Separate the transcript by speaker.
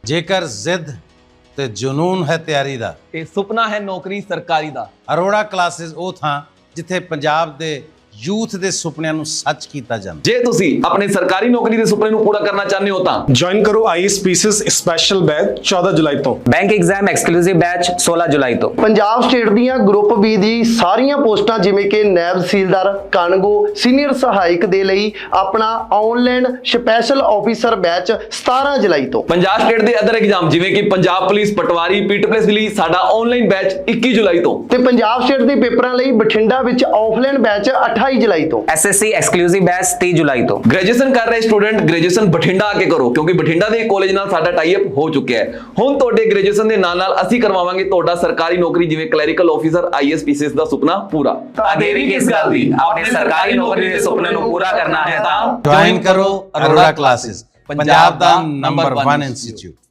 Speaker 1: ਜੇਕਰ ਜ਼ਿੱਦ ਤੇ ਜਨੂਨ ਹੈ ਤਿਆਰੀ ਦਾ
Speaker 2: ਤੇ ਸੁਪਨਾ ਹੈ ਨੌਕਰੀ ਸਰਕਾਰੀ ਦਾ।
Speaker 1: ਅਰੋੜਾ ਕਲਾਸਿਸ ਉਹ ਥਾਂ ਜਿੱਥੇ ਪੰਜਾਬ ਦੇ ਯੂਥ ਦੇ ਸੁਪਨਿਆਂ ਨੂੰ ਸੱਚ ਕੀਤਾ ਜਾਂਦਾ।
Speaker 2: ਜੇ ਤੁਸੀਂ ਆਪਣੇ ਸਰਕਾਰੀ ਨੌਕਰੀ ਦੇ ਸੁਪਨੇ ਨੂੰ ਪੂਰਾ ਕਰਨਾ ਚਾਹੁੰਦੇ ਹੋ ਤਾਂ
Speaker 3: ज्वाइन करो आईएएस पीसीएस स्पेशल बैच 14 जुलाई ਤੋਂ।
Speaker 4: ਬੈਂਕ ਐਗਜ਼ਾਮ ਐਕਸਕਲੂਸਿਵ ਬੈਚ 16 ਜੁਲਾਈ ਤੋਂ।
Speaker 5: ਪੰਜਾਬ ਸਟੇਟ ਦੀਆਂ ਗਰੁੱਪ ਬੀ ਦੀ ਸਾਰੀਆਂ ਪੋਸਟਾਂ ਜਿਵੇਂ ਕਿ ਨੈਬ ਤਹਿਸੀਲਦਾਰ, ਕਾਨਗੋ, ਸੀਨੀਅਰ ਸਹਾਇਕ ਦੇ ਲਈ ਆਪਣਾ ਆਨਲਾਈਨ ਸਪੈਸ਼ਲ ਆਫੀਸਰ ਬੈਚ 17 ਜੁਲਾਈ ਤੋਂ।
Speaker 2: ਪੰਜਾਬ ਸਟੇਟ ਦੇ ਅਦਰ ਐਗਜ਼ਾਮ ਜਿਵੇਂ ਕਿ ਪੰਜਾਬ ਪੁਲਿਸ, ਪਟਵਾਰੀ, ਪੀਟੀ ਪੁਲਿਸ ਲਈ ਸਾਡਾ ਆਨਲਾਈਨ ਬੈਚ 21 ਜੁਲਾਈ ਤੋਂ।
Speaker 5: ਤੇ ਪੰਜਾਬ ਸਟੇਟ ਦੇ ਪੇਪਰਾਂ ਲਈ ਬਠਿੰਡਾ ਵਿੱਚ ਆਫਲਾਈਨ ਬੈਚ 28 ਜੁਲਾਈ ਤੋਂ।
Speaker 4: ਐਸਐਸਸੀ ਐਕਸਕਲੂਸਿਵ ਬੈਚ 30 ਜੁਲਾਈ ਤੋਂ।
Speaker 2: ਗ੍ਰੈਜੂਏਸ਼ਨ ਕਰ ਰਹੇ ਸਟੂਡੈਂਟ ਗ੍ਰੈਜੂਏਸ਼ਨ ਬਠਿੰਡਾ ਆ ਕੇ ਕਰੋ ਕਿਉਂਕਿ ਬਠਿੰਡਾ ਦੇ ਕਾਲਜ ਨਾਲ ਸਾਡਾ ਟਾਈ ਅਪ ਹੋ ਚੁੱਕਿਆ ਹੈ। ਹੁਣ ਤੁਹਾਡੇ ਗ੍ਰੈਜੂਏਸ਼ਨ ਦੇ ਨਾਲ ਨਾਲ ਅਸੀਂ ਕਰਵਾਵਾਂਗੇ ਤੁਹਾਡਾ ਸਰਕਾਰੀ ਨੌਕਰੀ ਜਿਵੇਂ ਕਲੈਰੀਕਲ ਆਫੀਸਰ, ਆਈਐਐਸ ਪੀਸੀਐਸ ਦਾ ਸੁਪਨਾ ਪੂਰਾ।
Speaker 4: ਦੇਰੀ ਕਿਸ ਗੱਲ ਦੀ? ਆਪਣੇ ਸਰਕਾਰੀ ਨੌਕਰੀ ਦੇ ਸੁਪਨੇ ਨੂੰ ਪੂਰਾ ਕਰਨਾ ਹੈ ਤਾਂ
Speaker 1: ਜੁਆਇਨ ਕਰੋ ਅਰੋੜਾ ਕਲਾਸਿਸ, ਪੰਜਾਬ ਦਾ ਨੰਬਰ 1 ਇੰਸਟੀਚਿਊਟ।